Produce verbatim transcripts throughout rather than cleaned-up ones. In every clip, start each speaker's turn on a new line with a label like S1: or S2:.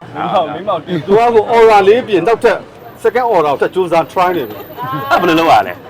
S1: မင်းမောင်တင်သူကကို aura လေးပြင်နောက်ထပ် second order ကိုထပ်စူးစမ်း try နေပြီ
S2: ဘယ်လိုလုပ်ရလဲ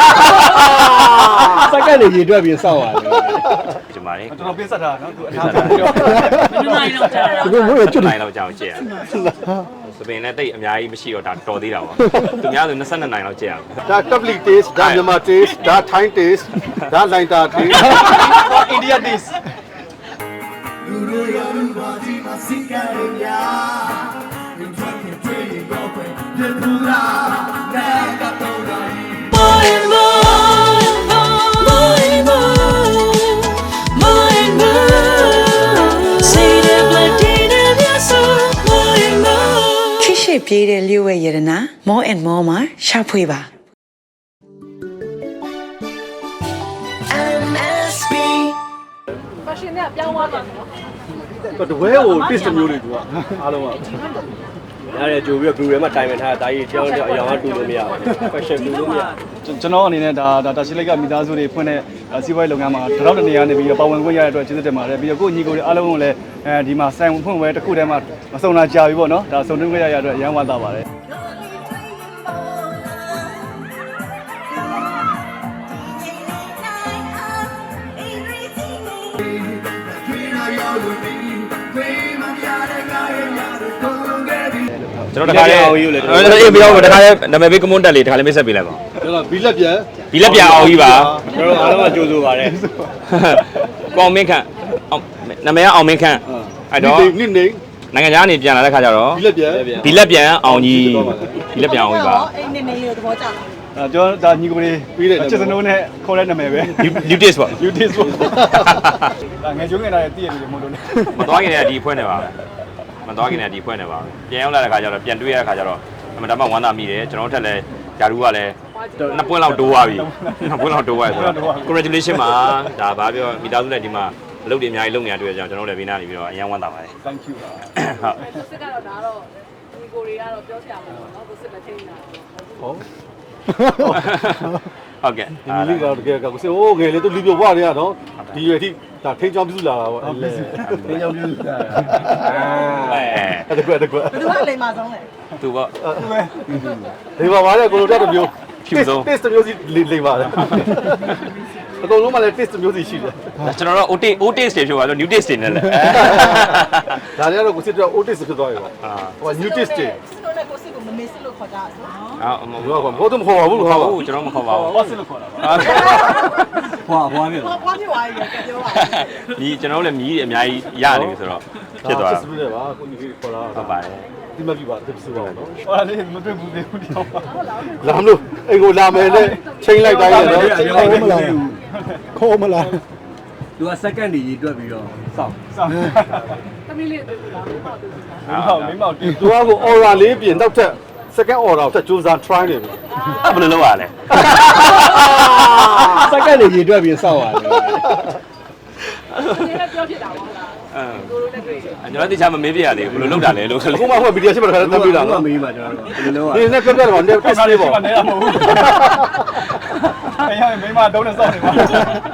S3: second နေရေတွက်ပြီးစောက်ရတယ်
S2: ဒီမှာလေ
S1: ကျွန်တော်ပေးဆက်တာနော်သူအထား
S4: ပြောနိုင်တော့ကြာ
S3: သူကမို့ရကျွတ်
S2: နိုင်တော့ကြာအောင်ကြည့်ရစပင်နဲ့တိတ်အများကြီးမရှိတော့ဒါတော်သေးတာပါသူများဆိုtwenty-twoနိုင်လောက်ကြည့်ရအောင်
S1: ဒါ tablet taste ဒါမြန်မာ taste ဒါ Thai taste ဒါ Laita taste India taste လူတို့ရလူပါဒီမှာစိတ်ကြရမြာမြတ်ခင်တွေ့ရင်တော့ပဲပြေပူလာနာကတော့တိုင်း
S5: More and more More and more More and more Say the blood in your soul More and more ခိရှိပြေးတဲ့လျှို့ဝဲရတနာ More and more မှာရှာဖွေပါ M S B
S4: ဖက်ရှင်နဲ့ပြောင်းသွားတယ်နော်
S1: တပွဲကို taste မျိုးတွေသူကအားလုံးက
S3: ရတယ်ကြိုပြီးတော့ blue ထဲမှာတိုင်ပင်ထားတာဒါကြီးကြောင်းကြောင်းအရောင်ကတူလို့မရဘူး question တူလို့မရ
S1: ကျွန်တော်အနေနဲ့ဒါဒါရှိလိုက်ကမိသားစုတွေဖွင့်တဲ့စီးပွားရေးလုပ်ငန်းမှာတရောက်တနေရာနေပြီးတော့ပါဝင်ခွင့်ရတဲ့အတွက်ကျေးဇူးတင်ပါတယ်ပြီးတော့ကိုညီကိုတွေအားလုံးကိုလည်းအဲဒီမှာဆိုင်ဖွင့်ပွဲတစ်ခုတည်းမှာမစုံလာကြပြီပေါ့နော်ဒါစုံတွင်းခွင့်ရရတဲ့အတွက်အရန်ဝမ်းသာပါတယ်
S2: ကျွန်တော်တခါလေးအေးပြီးတော့တခါလေးနာမည်ပေးကမွန်းတက်လေးတခါလေးမိတ်ဆက်ပေးလိုက်ပါ
S1: ကျွန်တော်ဘီလက်ပြန်
S2: ဘီလက်ပြန်အောင်ကြီးပါ
S3: ကျွန်တော်အားလုံးကကြိုးစိုးပါတယ်
S2: ကောင်းမင်းခန့်နာမည်ကအောင်မင်းခန့်အဲ့တော့
S1: နိနေ
S2: နိုင်ငံခြားကနေပြန်လာတဲ့ခါကျတော့
S1: ဘီလက်ပြန်
S2: ဘီလက်ပြန်အောင်ကြီးဘီလက်ပြန်အောင်ကြီးပါ
S4: အဲ့နေနေရသဘောကျလား
S1: အဲကျွန်တော်ဒါညီကိုလေးပြီးတဲ့ချစ်စနိုးနဲ့ခေါ်တဲ့နာမည်ပဲ
S2: new taste ပေါ့
S1: new taste ပေါ့ဒါငယ်ကျုံးနေတာတည့်ရတယ်မဟုတ်လို့လေ
S2: မသွားခင်တည်းကဒီဖွဲ့နေပါမသွားခင်တည်းကဒီဖွဲ့နေပါပြန်ရောက်လာတဲ့ခါကျတော့ပြန်တွေ့ရတဲ့ခါကျတော့အမှန်တမ်းဝမ်းသာမိတယ်ကျွန်တော်တို့ထက်လည်းဂျာရူကလည်းနှစ်ပွင့်လောက်တိုးသွားပြီနှစ်ပွင့်လောက်တိုးသွားပြီဆိုတော့ congratulation ပါဒါဘာပြောမိသားစုနဲ့ဒီမှာအလုပ်တွေအများကြီးလုပ်နေရတွေ့ကြအောင်ကျွန်တော်တို့လည်းဘေးနားနေပြီးတော့အရန်ဝမ်းသာပါတယ်
S1: thank you ပါ
S4: ဟုတ်စစ်ကတော့ဒါတော့ဒီကိုတွေကတော့ပြောစရာမလိုတော့ကိုစစ်မချင်းနေတာ
S1: ဟုတ်
S2: ဟုတ်ကဲ့
S1: ဒီလေးကတော့တကယ်ကကိုစစ်ဟိုးငယ်လေးသူလူပြွားတွေကနော်ဒီရွယ်ထိဒါထိန်းချောင်းပြုစုလာတာပေါ့အဲ့လေထိန်းချောင်းပြုစုလာတာအဲတကွတကွ
S4: ဘယ်သူကလိမ်မာဆုံးလဲ
S2: သူပေါ့
S1: ဒီပါပါလေကိုလိုတက်တမျိုး
S2: ဖြူဆုံး
S1: taste မျိုးစီလိမ်ပါတယ်အကုန်လုံးမှလည်း taste မျိုးစီရှိတယ်
S2: ကျွန်တော်တို့ O taste O taste တွေဖြစ်သွားလို့ new taste တွေနဲ့လေ
S1: ဒါလည်းတော့ကိုစစ်တော့ O taste ဖြစ်သွားပြီပေါ့ဟို new taste တွေ
S4: တို့လည်းကိုစစ်ကိုမမေးစစ်လို့ခေါ်ကြတယ်
S2: အာ
S1: မဟုတ်ဘူးမဟုတ်ဘူးမဟုတ်ဘူး
S2: ကျွန်တော်မခေါ်ပါဘူး
S1: ဟောစစ်လို့ခေါ်တာ
S3: ဖွာဖွာပြီ
S4: ဟောပွားပြသွားပြီပြောပါ
S2: ဒီကျွန်တော်လည်းမြည်အများကြီးရနေပြီဆိုတော့ဖြစ်သွားတာ
S1: စစ်လို့ပါကိုကြီးခေါ်တာ
S2: ဟုတ်ပါတယ်
S1: ဒီမပြပါတစ်စူပါတော့ဟောလေမတွေ့ဘူးလေဒီတော့လာမလို့အိမ်ကိုလာမယ်နဲ့ချိန်လိုက်တိုင်းရတော့
S3: ခေါ်မလားခေါ်မလားသူက second နေရေတွက်ပြီးတော့စောက်
S1: စောက်
S4: သမီးလေးတွေ့ဘူးလားမဟုတ်ဘူး
S1: မင်းမောင်တင်သူကကို aura လေးပြင်နောက်ထပ် second order ကိုထပ်စူးစမ်း try နေပြီ
S2: ဘယ်လိုလုပ်ရလဲ
S3: second နေရေတွက်ပြီးစောက်ရတယ်
S4: ဒီလည်းပြောဖြစ်တာပေါ့လား
S2: အဲကျွန်တော်တိကျမမေးပြရသေးဘူးဘယ်လိုလုပ်တာလဲလို့ခ
S1: လေးခုမှဟိုဗီဒီယိုရှင်းမှာတခါတည်းပြီးတာနော်
S3: မေးပါကျွန်တော်တို့ဘယ်လိုလုပ်ရ
S1: လဲဒီနဲ့ပြောပြတယ်ပေါ့ test လေးပေါ့
S3: နေရမဟုတ်ဘူးအဲ့ရမိမတုံးနဲ့စောက်နေပါ
S4: ဒါ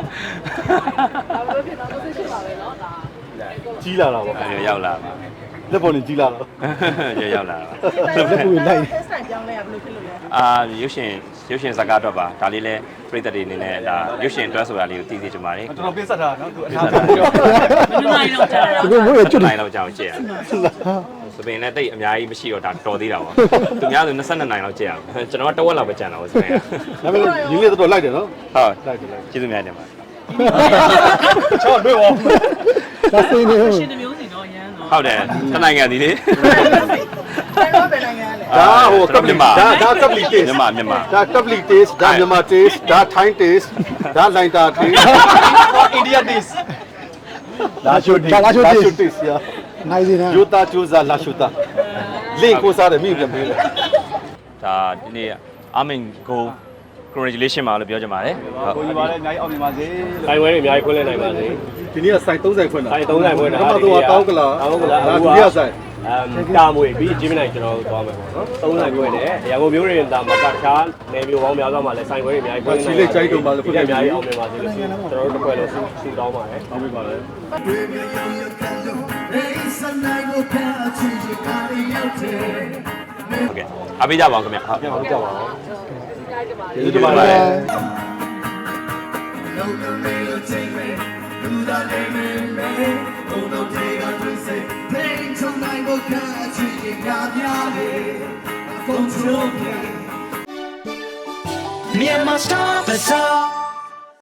S4: လို့ဖြစ်တော့သိဖြစ်ပါပဲเนาะဒါ
S1: ကြီးလာတာပေါ့
S2: ရောက်လာပါ
S1: လက်ပေါ်နေကြီးလာတော့
S2: ရောက်လာပါ
S4: လက်ပေါ်လိုက် test ပြောင်းလဲရဘယ်လိုဖြစ်လို့လဲ
S2: အာရုပ်ရှင်ရုပ်ရှင်ဇာတ်ကားအတွက်ပါဒါလေးလဲပြိတ္တတွေအနေနဲ့ဒါရုပ်ရှင်အတွက်ဆိုတာလေးကိုသိသိချင်ပါတယ်
S1: ကျွန်တော်ပြဆက်တာနော်သူအထားပြော
S4: နိုင်တော့ကြာ
S3: သူကမို့ရကျွတ်
S2: နိုင်တော့ကြာအောင်ကြည့်ရစပင်နဲ့တိတ်အများကြီးမရှိတော့ဒါတော်သေးတာပါသူများဆိုtwenty-twoနိုင်လောက်ကြည့်ရကျွန်တော်ကတဝက်လောက်ပဲကြံတော့စပင်
S1: ကဒါပေမဲ့ရင်းလေးတော့လိုက်တယ်နော်
S2: ဟုတ်လိုက်တယ်လိုက်ကျေးဇူးများတင်ပါ
S1: ချောတွေ့ပါ
S3: ဒါစင်းနေ
S4: ရှင်တမျိုးစီတော့ရမ်းတော့
S2: ဟုတ်တယ်တနိုင်ငံဒီလေ
S4: တော့ပဲနိုင်ငံလဲ
S1: ဒါဟိုကပ်လီဒါဒါကပ်လီ taste
S2: မြန်မာမြန်မာ
S1: ဒါကပ်လီ taste ဒါမြန်မာ taste ဒါ Thai taste ဒါ Laita taste India taste
S3: လာရှိုတေး
S1: လာရှိုတေးရ
S3: နိုင်စီနာ
S1: ယူတာကျူဇာလာရှိုတာလင့်ကိုစားတယ်မိပြန်ပေးတယ်
S2: ဒါဒီနေ့အမင်ကို congratulation ပါလို့ပြောချင်ပါတယ်
S1: ကိုကြီးပါလေအများကြီးအောင်မြင်ပါစေ
S3: ဆိုင်ဝဲတွေအများကြီးခွင့်လဲနိုင်ပါစေ
S1: ဒီနေ့ကဆိုင်သုံးဆိုင်ဖွင့်တာ
S3: ဆိုင်သုံးဆိုင်ဖွင့်တာ
S1: ပထမတော့တောင်းကလာ
S3: တောင်းကလာ
S1: ဒါဒုတိယဆိုင်
S3: အမ်တာမွေပြီးဂျင်းမနိုင်ကျွန်တော်တို့သွားမယ်ပေါ့နော်သုံးဆိုင်ဖွင့်တယ်ရန်ကုန်မျိုးတွေဒါမှာတခြားနယ်မျိုးပေါင်းများစွာမှာလည်းဆိုင်ဝဲတွေအများကြီးဖွင့်နေတယ်
S1: စီလေးကြိုက်တော့ပါလို့ဖွင့်
S3: အများကြီးအောင်မြင်ပါစေလို့ကျွန်တော်တို့တစ်ခွဲလို့ဆူတောင်းပါတယ်
S1: အောင်ပြီပါလေ
S2: ဟုတ်ကဲ့အားပေးကြပါအောင်ခင်ဗျဟုတ်
S3: ပြန်အောင်ကြောက်ပါအောင်
S4: ကျေးဇူးတင်ပါတယ်
S3: ကျေးဇူးတင်ပါတယ်
S5: Myanmar Star Bazaar